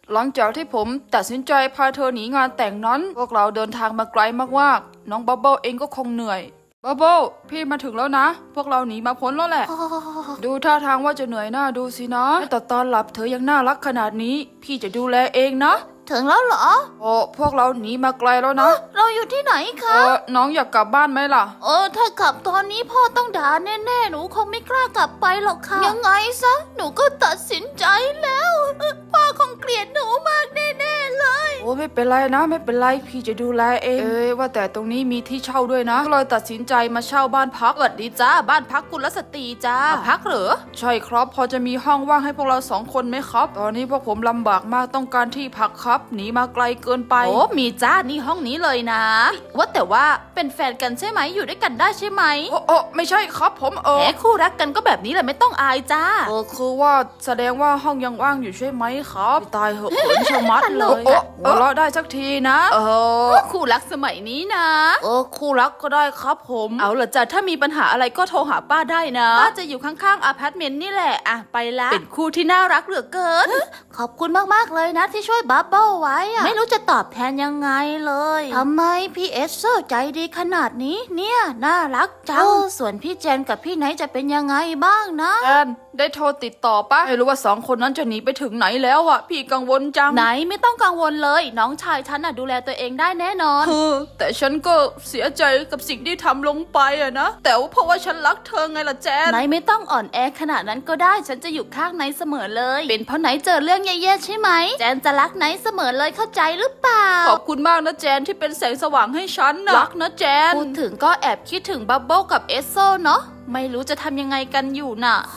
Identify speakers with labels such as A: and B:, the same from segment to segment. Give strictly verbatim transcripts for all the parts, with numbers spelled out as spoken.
A: หลังจากที่ผมตัดสินใจพาเธอหนีงานแต่งนั้นพวกเราเดินทางมาไกลมากๆน้องบับเบิ้ลเองก็คงเหนื่อยบับเบิ้ลพี่มาถึงแล้วนะพวกเราหนีมาพ้นแล้วแหละ ดูท่าทางว่าจะเหนื่อยหน้าดูสินะแต่ตอนหลับเธอยังน่ารักขนาดนี้พี่จะดูแลเองนะ
B: ถึงแล้วเหรอ
A: โอ้พวกเราหนีมาไกลแล้วนะ
B: เราอยู่ที่ไหน
A: เอ
B: คะ
A: อน้องอยากกลับบ้านไหมล่ะ
B: เออถ้ากลับตอนนี้พ่อต้องด่าแน่ๆหนูคงไม่กล้ากลับไปหรอกค่ะยังไงซะหนูก็ตัดสินใจแล้วพ่อคงเกลียดหนูมากแน่ๆเลย
A: โอ้ไม่เป็นไรนะไม่เป็นไรพี่จะดูแลเองเอ้ยว่าแต่ตรงนี้มีที่เช่าด้วยนะก็เลยตัดสินใจมาเช่าบ้านพัก
B: สวัสดีจ้าบ้านพักกุลสตรีจ้าพักเหรอ
A: ใช่ครับพอจะมีห้องว่างให้พวกเราสองคนไหมครับตอนนี้พวกผมลำบากมากต้องการที่พักครับหนีมาไกลเกินไป
B: โอ้มีจ้านี่ห้องนี้เลยนะว่าแต่ว่าเป็นแฟนกันใช่ไหมอยู่ด้วยกันได้ใช่ไหม
A: โอ้โอ้ไม่ใช่ครับผมเออ
B: แหมคู่รักกันก็แบบนี้แหละไม่ต้องอายจ้า
A: เออคือว่าแสดงว่าห้องยังว่างอยู่ใช่ไหมครับตายเหอะเขินชะมัดเลยโอ้หัวเราะได้สักทีนะเออ
B: คู่รักสมัยนี้นะ
A: เออคู่รักก็ได้ครับผม
B: เอาล่ะจ้ะถ้ามีปัญหาอะไรก็โทรหาป้าได้นะป้าจะอยู่ข้างๆอพาร์ตเมนต์นี่แหละอ่ะไปละเป็นคู่ที่น่ารักเหลือเกินขอบคุณมากๆเลยนะที่ช่วยบับเบิ้ลไว้อะไม่รู้จะตอบแทนยังไงเลยทำไมพี่เอสโซใจดีขนาดนี้เนี่ยน่ารักจังส่วนพี่เจนกับพี่ไนท์จะเป็นยังไงบ้างนะ
A: แอนได้โทรติดต่อปะไม่รู้ว่าสองคนนั้นจะหนีไปถึงไหนแล้วอ่ะพี่กังวลจัง
B: ไหนไม่ต้องกังวลเลยน้องชายฉันน่ะดูแลตัวเองได้แน่นอน
A: เออแต่ฉันก็เสียใจกับสิ่งที่ทำลงไปอะนะแต่ว่าเพราะว่าฉันรักเธอไงล่ะแจน
B: ไหนไม่ต้องอ่อนแอขนาดนั้นก็ได้ฉันจะอยู่ข้างไนท์เสมอเลยเป็นเพราะไนท์เจอเรื่องแย่ๆใช่ไหมแจนจะรักไนท์เสมอเลยเข้าใจหรือเปล่า
A: ขอบคุณมากนะแจนที่เป็นแสงสว่างให้ฉันนะรักนะแจน
B: พูดถึงก็แอบคิดถึงบับเบิ้ลกับเอสโซเนาะไม่รู้จะทำยังไงกันอยู่น่ะ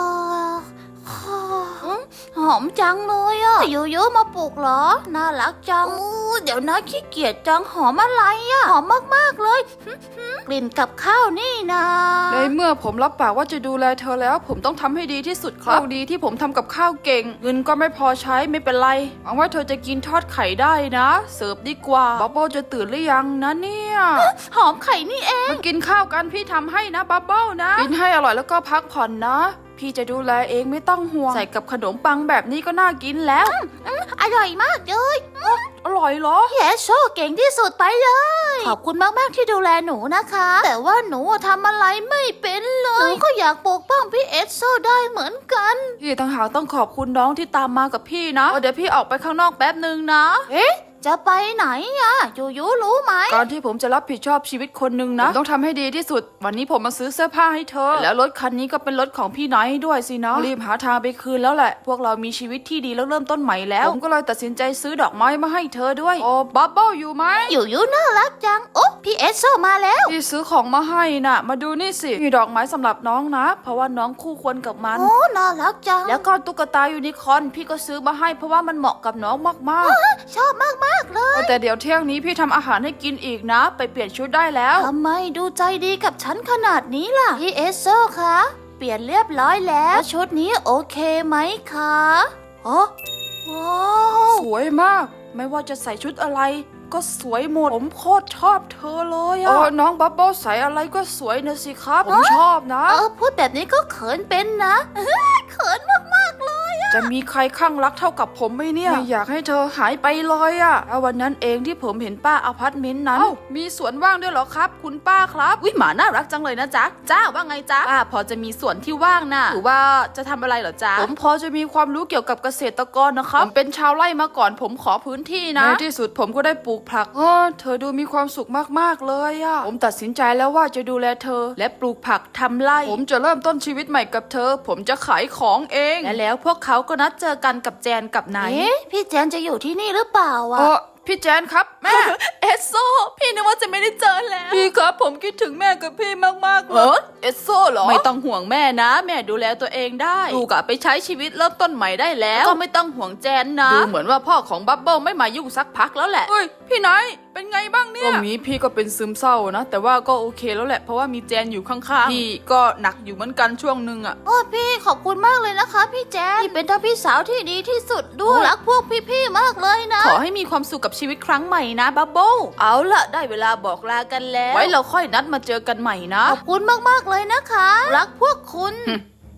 B: หอมจังเลยอ่ะอยู่เยอะมาปลุกเหรอน่ารักจังเดี๋ยวนะขี้เกียจจังหอมอะไรอ่ะหอมมากๆเลยกลิ่นกับข้าวนี่นะ
A: ในเมื่อผมรับปากว่าจะดูแลเธอแล้วผมต้องทำให้ดีที่สุดครับดีที่ผมทำกับข้าวเก่งเงินก็ไม่พอใช้ไม่เป็นไรหวังว่าเธอจะกินทอดไข่ได้นะเสิร์ฟดีกว่าบับเบิ้ลจะตื่นหรือยังนะเนี่ย
B: หอมไข่นี่เอง
A: มากินข้าวกันพี่ทำให้นะบับเบิ้ลนะกินให้อร่อยแล้วก็พักผ่อนนะพี่จะดูแลเองไม่ต้องห่วงใส่กับขนมปังแบบนี้ก็น่ากินแล้ว
B: อร่อยมากเลย
A: อร่อยเหรอ
B: เยสโชเก่งที่สุดไปเลยขอบคุณมากๆที่ดูแลหนูนะคะแต่ว่าหนูทำอะไรไม่เป็นเลยหนูก็อยากปกป้องพี่เอสโซได้เหมือนกัน
A: พี่ต่างหากต้องขอบคุณน้องที่ตามมากับพี่นะเดี๋ยวพี่ออกไปข้างนอกแป๊บนึงนะ
B: เอ๊ะจะไปไหนอะยูยูรู้ไหม
A: การที่ผมจะรับผิดชอบชีวิตคนหนึ่งนะต้องทำให้ดีที่สุดวันนี้ผมมาซื้อเสื้อผ้าให้เธอแล้วรถคันนี้ก็เป็นรถของพี่ไนท์ด้วยสินะรีบหาทางไปคืนแล้วแหละพวกเรามีชีวิตที่ดีแล้วเริ่มต้นใหม่แล้วผมก็เลยตัดสินใจซื้อดอกไม้มาให้เธอด้วยโอ้บับเบิ้ลอยู่ไหม
B: ยูยูน่ารักจังโอ้พี่เอสโซมาแล้ว
A: พี่ซื้อของมาให้น่ะมาดูนี่สิมีดอกไม้สำหรับน้องนะเพราะว่าน้องคู่ควรกับมัน
B: โอ้น่ารักจัง
A: แล้วก็ตุ๊กตายูนิคอร์นพี่ก็ซื้อมาให้เพราะว่ามันเหมาะกับน้องมาก
B: ๆชอบมากๆเลย
A: แต่เดี๋ยวเที่ยงนี้พี่ทำอาหารให้กินอีกนะไปเปลี่ยนชุดได้แล้ว
B: ทำไมดูใจดีกับฉันขนาดนี้ล่ะพี่เอสโซคะเปลี่ยนเรียบร้อยแล้วชุดนี้โอเคไหมคะ
A: อ๋อว้าวสวยมากไม่ว่าจะใส่ชุดอะไรก็สวยหมดผมโคตรชอบเธอเลยอะน้องบับเบิ้ลใส่อะไรก็สวยนะสิครับผมชอบนะ
B: เออพูดแบบนี้ก็เขินเป็นนะเขินมากๆเลยอะ
A: จะมีใครข้างรักเท่ากับผมไหมเนี่ยไม่อยากให้เธอหายไปเลยอะวันนั้นเองที่ผมเห็นป้าอพาร์ตเมนต์นั้นมีสวนว่างด้วยเหรอครับคุณป้าครับ
B: วิหมาน่ารักจังเลยนะจ๊ะจ้าว่าไงจ๊ะป้าพอจะมีสวนที่ว่างน่ะหรือว่าจะทำอะไรเหรอจ๊ะ
A: ผมพอจะมีความรู้เกี่ยวกับเกษตรกรนะครับผมเป็นชาวไร่มาก่อนผมขอพื้นที่นะในที่สุดผมก็ได้ปลูกผักเออเธอดูมีความสุขมากๆเลยอะผมตัดสินใจแล้วว่าจะดูแลเธอและปลูกผักทำไร่ผมจะเริ่มต้นชีวิตใหม่กับเธอผมจะขายของเอง
B: และแล้วพวกเขาก็นัดเจอกันกับแจนกับไนท์พี่แจนจะอยู่ที่นี่หรือเปล่าอะ
A: พี่แจนครับแม่
B: เอสโซพี่นึกว่าจะไม่ได้เจอแล้ว
A: พี่ครับผมคิดถึงแม่กับพี่มากๆเลยเอสโซเหรอ
B: ไม่ต้องห่วงแม่นะแม่ดูแลตัวเองได้ลูกอะไปใช้ชีวิตเริ่มต้นใหม่ได้แล้วก็ไม่ต้องห่วงแจนนะดูเหมือนว่าพ่อของบับเบิ้ลไม่มายุ่งสักพักแล้วแหละ
A: เฮ้ยพี่ไนท์เป็นไงบ้างเนี่ยตรงนี้พี่ก็เป็นซึมเศร้านะแต่ว่าก็โอเคแล้วแหละเพราะว่ามีแจนอยู่ข้างๆพี่ก็หนักอยู่เหมือนกันช่วงนึงอะ
B: โอ้พี่ขอบคุณมากเลยนะคะพี่แจนพี่เป็นทั้งพี่สาวที่ดีที่สุดด้วยรักพวกพี่ๆมากเลยนะ
A: ขอให้มีความสุขกับชีวิตครั้งใหม่นะบับเบิ้ล
B: เอาล่ะได้เวลาบอกลากันแล้ว
A: ไว้เราค่อยนัดมาเจอกันใหม่นะ
B: ขอบคุณมากๆเลยนะคะรักพวกคุณ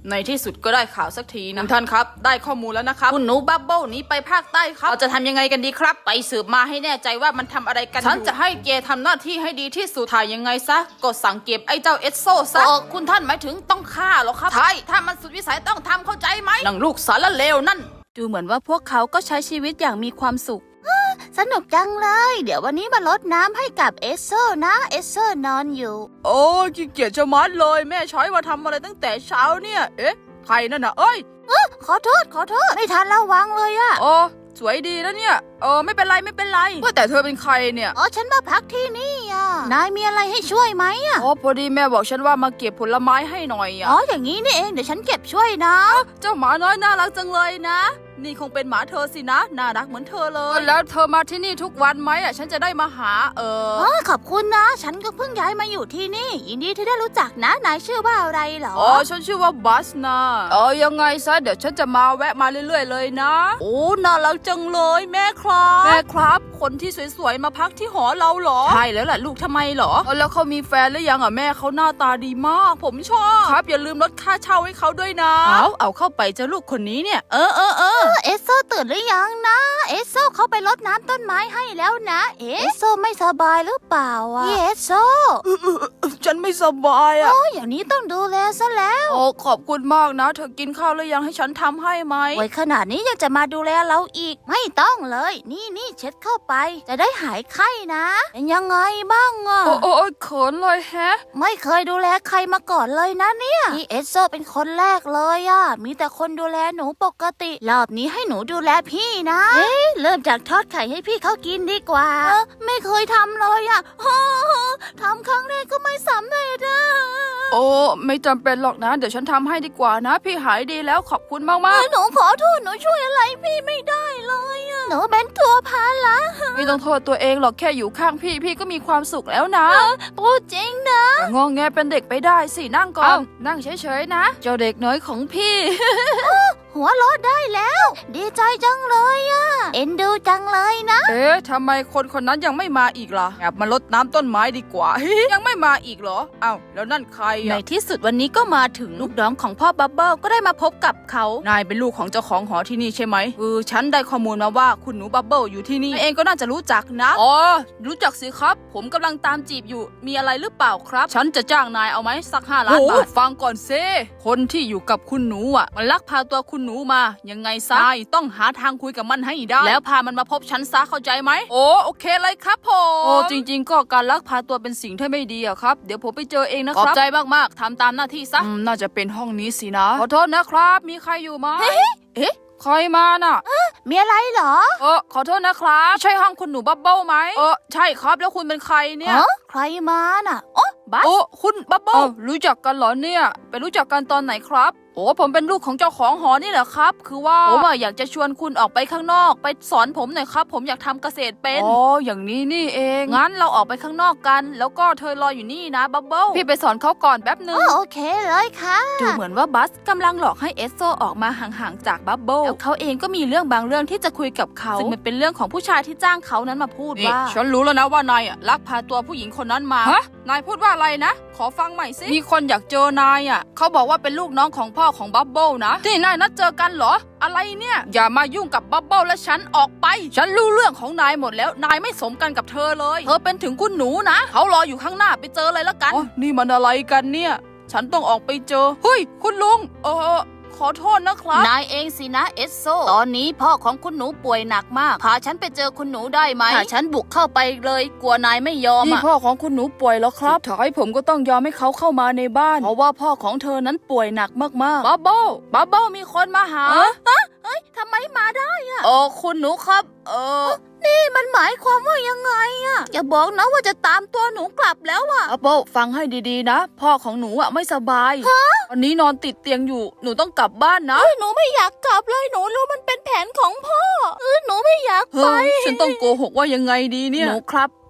A: ในที่สุดก็ได้ข่าวสักทีนะท่านครับได้ข้อมูลแล้วนะครับคุณหนูบับเบิ้ลหนีไปภาคใต้ครับเราจะทำยังไงกันดีครับไปสืบมาให้แน่ใจว่ามันทำอะไรกันฉันจะให้เกทำหน้าที่ให้ดีที่สุดถ่ายยังไงซะก็สั่งเก็บไอ้เจ้าเอสโซซะเออคุณท่านหมายถึงต้องฆ่าเหรอครับใช่ถ้ามันสุดวิสัยต้องทำเข้าใจไหมนางลูกสารเลวนั่น
B: ดูเหมือนว่าพวกเขาก็ใช้ชีวิตอย่างมีความสุขสนุกจังเลย เดี๋ยววันนี้มาลดน้ำให้กับเอสโซนะเอสโซนอนอยู่
A: โอ้ขี้เกียจจะมัดเลยแม่ช้อยมาทำอะไรตั้งแต่เช้าเนี่ยเอ๊ะใครนั่นน่ะเอ้ย
B: เออขอโทษขอโทษไม่ทันระวังเลยอะ
A: โอ้สวยดีนะเนี่ยเออไม่เป็นไรไม่เป็นไรว่าแต่เธอเป็นใครเนี่ย
B: อ๋อฉันมาพักที่นี่อ่ะนายมีอะไรให้ช่วยไหมอ่ะ
A: อ๋อพอดีแม่บอกฉันว่ามาเก็บผลไม้ให้หน่อยอ่ะ
B: อ๋ออย่างนี้นี่เองเดี๋ยวฉันเก็บช่วยนะ
A: เจ้าหมาน้อยน่ารักจังเลยนะนี่คงเป็นหมาเธอสินะน่ารักเหมือนเธอเลยแล้วเธอมาที่นี่ทุกวันไหมอ่ะฉันจะได้มาหาเออ
B: อ๋อขอบคุณนะฉันก็เพิ่งย้ายมาอยู่ที่นี่ยินดีที่ได้รู้จักนะนายชื่อว่าอะไรเหรอ
A: อ๋อฉันชื่อว่าบัสนะเออยังไงซะเดี๋ยวฉันจะมาแวะมาเรื่อยๆเลยนะ
B: โอ้น่ารักจังเลยแม่ครับ
A: แม่ครับคนที่สวยๆมาพักที่หอเราเหรอ
B: ใช่แล้วล่ะลูกทำไมเหรอ
A: แล้วเขามีแฟนหรือยังอ่ะแม่เขาหน้าตาดีมากผมชอบครับอย่าลืมลดค่าเช่าให้เขาด้วยนะ
B: เอาเอาเข้าไปเจ้าลูกคนนี้เนี่ยเออเออเออเอสโซตื่นหรือยังนะเอสโซเขาไปรดน้ำต้นไม้ให้แล้วนะเอสโซไม่สบายหรือเปล่าอ่ะเอสโซ
A: ฉันไม่สบายอ่ะ
B: โอ้อย่างนี้ต้องดูแลซะแล้ว
A: โอ้ขอบคุณมากนะเธอกินข้าวหรือยังให้ฉันทำให้ไหม
B: ไว้ขนาดนี้ยังจะมาดูแลเราอีกไม่ต้องเลยนี่นี่เช็ดเข้าไปจะได้หายไข้นะเป็นยังไงบ้างอ่ะ
A: โอ้โอ้เขินเลยแฮะ
B: ไม่เคยดูแลใครมาก่อนเลยนะเนี่ยนี่เอสโซเป็นคนแรกเลยอ่ะมีแต่คนดูแลหนูปกติรอบนี้ให้หนูดูแลพี่นะเอ๊ะเริ่มจากทอดไข่ให้พี่เขากินดีกว่าเออไม่เคยทำเลยอ่ะทำครั้งแรกก็ไม่สำเร็จอ่ะ
A: โอ้ไม่จำเป็นหรอกนะเดี๋ยวฉันทำให้ดีกว่านะพี่หายดีแล้วขอบคุณมากมาก
B: หนูขอโทษหนูช่วยอะไรพี่ไม่ได้เลยอ่ะหนูเป็นตัวพาละ
A: ไม่ต้องโทษตัวเองหรอกแค่อยู่ข้างพี่พี่ก็มีความสุขแล้วนะ
B: พูดจริงนะ
A: งองแงเป็นเด็กไปได้สินั่งก่อนนั่งเฉยๆนะเจ้าเด็กน้อยของพี่
B: หัวเราะได้แล้วดีใจจังเลยอ่ะเอ็นดูจังเลยนะ
A: เอ๊ะทำไมคนคนนั้นยังไม่มาอีกล่ะแอบมารดน้ำต้นไม้ดีกว่า ยังไม่มาอีกเหรออ้าวแล้วนั่นใคร
B: ในที่สุดวันนี้ก็มาถึงลูกน้องของพ่อบับเบิ้ลก็ได้มาพบกับเขา
A: นายเป็นลูกของเจ้าของหอที่นี่ใช่ไหมเออฉันได้ข้อมูลมาว่าคุณหนูบับเบิ้ลอยู่ที่นี่เองก็น่าจะรู้จักนะอ๋อรู้จักสิครับผมกำลังตามจีบอยู่มีอะไรหรือเปล่าครับฉันจะจ้างนายเอาไหมสักห้าล้านบาทฟังก่อนเซคนที่อยู่กับคุณหนูอ่ะมันลักพาตัวคุณหนูมายังไงซะต้องหาทางคุยกับมันให้ได้แล้วพามันมาพบฉันซะเข้าใจไหมโอ้โอเคเลยครับผมโอ้จริงๆก็การลักพาตัวเป็นสิ่งที่ไม่ดีอะครับเดี๋ยวผมไปเจอเองนะครับขอบใจมากๆทำตามหน้าที่ซะน่าจะเป็นห้องนี้สินะขอโทษนะครับมีใครอยู่ไหมเอ๊ะใครมาน่ะ
B: มีอะไรเหรอ
A: เออขอโทษนะครับใช่ห้องคุณหนูบับเบิ้ลไหมเออใช่ครับแล้วคุณเป็นใครเนี่ย
B: ใครมาน่ะโอ้บัส
A: โอ้คุณบับเบิ้ลรู้จักกันเหรอเนี่ยไปรู้จักกันตอนไหนครับโอ้ผมเป็นลูกของเจ้าของหอนี่แหละครับคือว่าผมอยากจะชวนคุณออกไปข้างนอกไปสอนผมหน่อยครับผมอยากทำเกษตรเป็นอ๋ออย่างนี้นี่เองงั้นเราออกไปข้างนอกกันแล้วก็เธอรออยู่นี่นะบับเบิ้ลพี่ไปสอนเขาก่อนแป๊บนึง
B: โอเคเลยค่ะ
A: ดูเหมือนว่าบัสกำลังหลอกให้เอสโซออกมาห่างๆจากบับเบิ้ลแล้วเขาเองก็มีเรื่องบางเรื่องที่จะคุยกับเขาซึ่งมันเป็นเรื่องของผู้ชายที่จ้างเขานั้นมาพูดว่าฉันรู้แล้วนะว่านายอ่ะลักพาตัวผู้หญิงคนนั้นมาฮะนายพูดว่าอะไรนะขอฟังใหม่สิมีคนอยากเจอนายอ่ะเขาบอกว่าเป็นลูกน้องของพ่อของบับเบิ้ลนะที่นายนัดเจอกันเหรออะไรเนี่ยอย่ามายุ่งกับบับเบิ้ลและฉันออกไปฉันรู้เรื่องของนายหมดแล้วนายไม่สมกันกับเธอเลยเธอเป็นถึงคุณหนูนะเขารออยู่ข้างหน้าไปเจอเลยละกันนี่มันอะไรกันเนี่ยฉันต้องออกไปเจอเฮ้ยคุณลุงเออขอโทษนะครับ
B: นายเองสินะเอสโซตอนนี้พ่อของคุณหนูป่วยหนักมากพาฉันไปเจอคุณหนูได้ไหมถ้าฉันบุกเข้าไปเลยกลัวนายไม่ยอม
A: นี่พ่อของคุณหนูป่วยแล้วครับสุดท้ายผมก็ต้องยอมให้เขาเข้ามาในบ้านเพราะว่าพ่อของเธอนั้นป่วยหนักมากๆบับเบิ้ลบับเบิ้ลมีคนมาหา
B: เฮ้ยทำไมมาได้อะ
A: เออคุณหนูครับเออ
B: นี่มันหมายความว่ายังไงอะอย่าบอกนะว่าจะตามตัวหนูกลับแล้วอะ
A: บับเบิ้ลฟังให้ดีๆนะพ่อของหนูอะไม่สบายวันนี้นอนติดเตียงอยู่หนูต้องกลับบ้านนะ
B: หนูไม่อยากกลับเลยหนูรู้มันเป็นแผนของพ่อเออหนูไม่อยากไป
A: ฉันต้องโกหกว่ายังไงดีเนี่ย
B: หนูครับ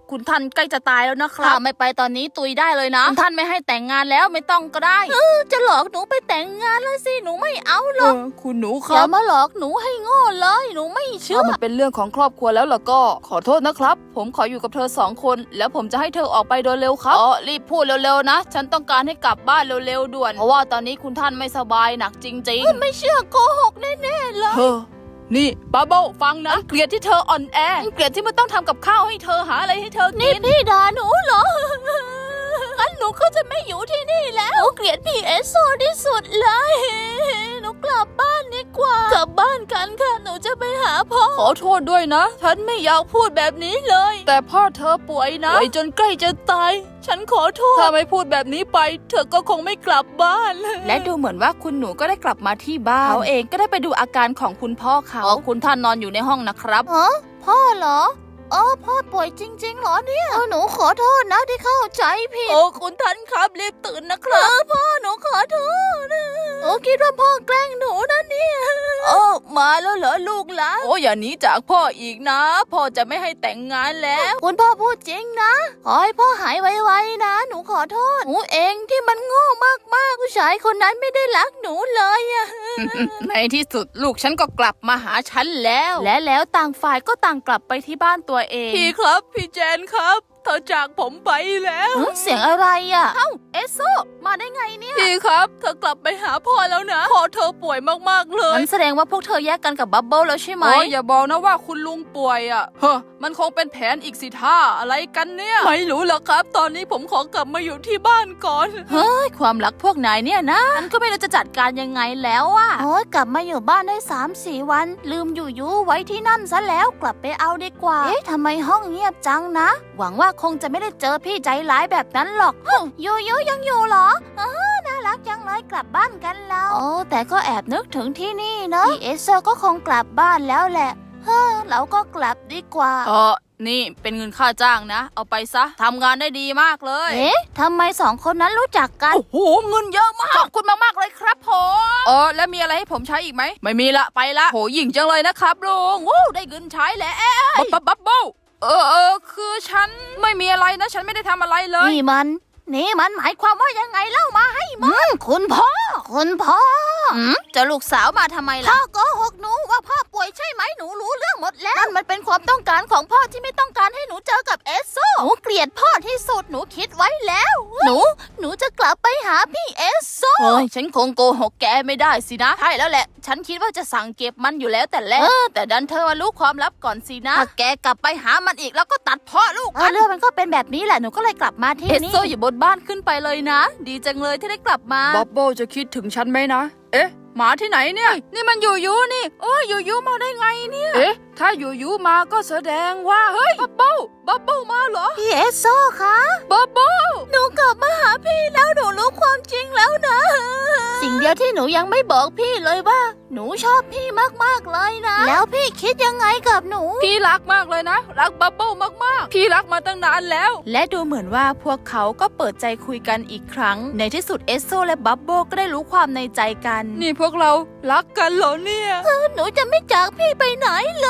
B: คุณท่านใกล้จะตายแล้วนะครับถ้าไม่ไปตอนนี้ตุยได้เลยนะคุณท่านไม่ให้แต่งงานแล้วไม่ต้องก็ได้เออจะหลอกหนูไปแต่งงานแล้วสิหนูไม่เอาหรอก
A: คุณหนูค
B: อย่า
A: รับ
B: มาหลอกหนูให้โง่เลยหนูไม่เชื่อ
A: ถ้ามันเป็นเรื่องของครอบครัวแล้วล่ะก็ขอโทษนะครับ ผมขออยู่กับเธอสองคน แล้วผมจะให้เธอออกไปโดยเร็วครับอ๋อรีบพูดเร็วๆนะ ฉันต้องการให้กลับบ้านเร็วๆด่วนเพราะว่าตอนนี้คุณท่านไม่สบายหนักจริงๆ
B: ไม่เชื่อโกหกแน่ๆเลย
A: เธอนี่บับเบิ้ลฟังนะเกลียดที่เธออ่อนแอเกลียดที่มันต้องทำกับข้าวให้เธอหาอะไรให้เธอ
B: นี่
A: กิน
B: พี่ด่าหนูเหรอ งั้นหนูก็จะไม่อยู่ที่นี่แล้วหนูเกลียดพี่เอสโซที่สุดเลย หนูกลับบ้านดีกว่า กลับบ้านกันค่ะ หนูจะไปหาพ่อ
A: ขอโทษด้วยนะ ฉันไม่อยากพูดแบบนี้เลย แต่พ่อเธอป่วยนะป่วยจนใกล้จะตาย ฉันขอโทษถ้าไม่พูดแบบนี้ไป เธอก็คงไม่กลับบ้าน
B: และดูเหมือนว่าคุณหนูก็ได้กลับมาที่บ้านเขาเองก็ได้ไปดูอาการของคุณพ่อเขาอ๋อคุณท่านนอนอยู่ในห้องนะครับฮะพ่อเหรอเออพ่อป่วยจริงๆเหรอเนี่ยหนูขอโทษนะที่เข้าใจผิด
A: โอ้คุณท่านครับรีบตื่นนะครับ
B: พ่อหนูขอโทษหนูคิดว่าพ่อแกล้งหนูนะเนี่ยโอ้มาแล้วเหรอลูกหลาน
A: โอ้อย่าหนีจากพ่ออีกนะ พ่อจะไม่ให้แต่งงานแล้ว
B: คุณพ่อพูดจริงนะขอให้พ่อหายไวๆนะ หนูขอโทษหนูเองที่มันโง่มากๆผู้ชายคนนั้นไม่ได้รักหนูเลยอะ
A: ในที่สุดลูกฉันก็กลับมาหาฉันแล้ว
B: และแล้วต่างฝ่ายก็ต่างกลับไปที่บ้านตัวเอง
A: พี่ครับพี่แจนครับเธอจากผมไปแล้ว
B: เอ้ยเสียงอะไรอ่ะเอ้าเอสโซมาได้ไงเนี่ย
A: พี่ครับเธอกลับไปหาพ่อแล้วนะพ่อเธอป่วยมากๆเลย
B: งั้นแสดงว่าพวกเธอแยกกันกับบับเบิ้ลแล้วใช่ไหม
A: โอ้ยอย่าบอกนะว่าคุณลุงป่วยอ่ะเฮ้อมันคงเป็นแผนอีกสิท่าอะไรกันเนี่ยไม่รู้หรอกครับ ตอนนี้ผมขอกลับมาอยู่ที่บ้านก่อน
B: เฮ้ยความรักพวกนายเนี่ยนะฉันก็ไม่รู้จะจัดการยังไงแล้วอ่ะโอ้ยกลับมาอยู่บ้านได้สามสี่วัน ลืมอยู่ยูไว้ที่นั่นซะแล้วกลับไปเอาดีกว่าเอ๊ะทำไมห้องเงียบจังนะ หวังว่าคงจะไม่ได้เจอพี่ใจร้ายแบบนั้นหรอกยูยูยังอยู่เหรอเออน่ารักจังเลยกลับบ้านกันแล้วโอ้แต่ก็แอบนึกถึงที่นี่เนอะพี่เอสโซก็คงกลับบ้านแล้วแหละเฮ้อเราก็กลับดีกว่า
A: เออนี่เป็นเงินค่าจ้างนะ เอาไปซะทำงานได้ดีมากเลย
B: เอ๊ะทำไมสองคนนั้นรู้จักกัน
A: โอ้โหเงินเยอะมากขอบคุณมากๆเลยครับผมเออแล้วมีอะไรให้ผมใช้อีกไหมไม่มีละไปละโหหยิ่งจังเลยนะครับลุงวู้ได้เงินใช้แล้วบับบับบับเบิ้ลเออเออคือฉันไม่มีอะไรนะฉันไม่ได้ทำอะไรเลย
B: นี่มัน นี่มันหมายความว่ายังไงเล่ามาให้มันคุณพ่อ คุณพ่อจะลูกสาวมาทำไมล่ะพ่อโกหกหนูว่าพ่อป่วยใช่ไหมหนูรู้เรื่องหมดแล้วนั่นมันเป็นความต้องการของพ่อที่ไม่ต้องการให้หนูเจอกับเอสโซหนูเกลียดพ่อที่สุดหนูคิดไว้แล้ว หนู หนูจะกลับไปหาพี่เอสโซ
A: โอ้ยฉันคงโกหกแกไม่ได้สินะใช่แล้วแหละ ฉันคิดว่าจะสั่งเก็บมันอยู่แล้วแต่แรกเออแต่ดันเธอมารู้ความลับก่อนสินะถ้าแกกลับไปหามันอีกแล้วก็ตัดพ่อลูก
B: เออเรื่องมันก็เป็นแบบนี้แหละหนูก็เลยกลับมาที่
A: เอส
B: นี่
A: โซอยู่บนบ้านขึ้นไปเลยนะ ดีจังเลยที่ได้กลับมาบ๊อบโบจะคิดถึงฉันไหมนะเอ๊ะหมาที่ไหนเนี่ยนี่มันอยู่ยูนี่โอ้ยอยู่ยูมาได้ไงเนี่ยเอ๊ะถ้าอยู่ยูมาก็แสดงว่าเฮ้ยบับเบิ้ลบับเบิ้ลมาเหรอ
B: พี่เอสโซคะ
A: บับเบิ้ล
B: หนูกลับมาหาพี่แล้วหนูรู้ความจริงแล้วนะ สิ่งเดียวที่หนูยังไม่บอกพี่เลยว่า หนูชอบพี่มากๆเลยนะ แล้วพี่คิดยังไงกับหนู
A: พี่รักมากเลยนะรักบับเบิ้ลมากๆพี่รักมาตั้งนานแล้วและดูเหมือนว่าพวกเขาก็เปิดใจคุยกันอีกครั้งในที่สุดเอสโซและบับเบิ้ลก็ได้รู้ความในใจกันนี่พวกเรารักกันเหรอเนี่ย
B: หนูจะไม่จากพี่ไปไหนเลย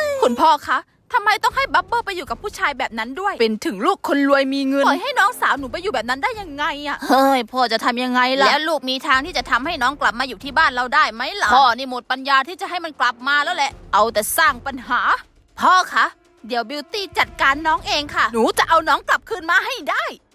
A: คุณพ่อคะทำไมต้องให้บับเบิ้ลไปอยู่กับผู้ชายแบบนั้นด้วย เป็นถึงลูกคนรวยมีเงินปล่อยให้น้องสาวหนูไปอยู่แบบนั้นได้ยังไงอะ
B: เฮ้ยพ่อจะทำยังไงล่ะ
A: แล้วลูกมีทางที่จะทำให้น้องกลับมาอยู่ที่บ้านเราได้ไหมล่ะพ่อนี่หมดปัญญาที่จะให้มันกลับมาแล้วแหละเอาแต่สร้างปัญหาพ่อคะเดี๋ยวบิวตี้จัดการน้องเองค่ะหนูจะเอาน้องกลับคืนมาให้ได้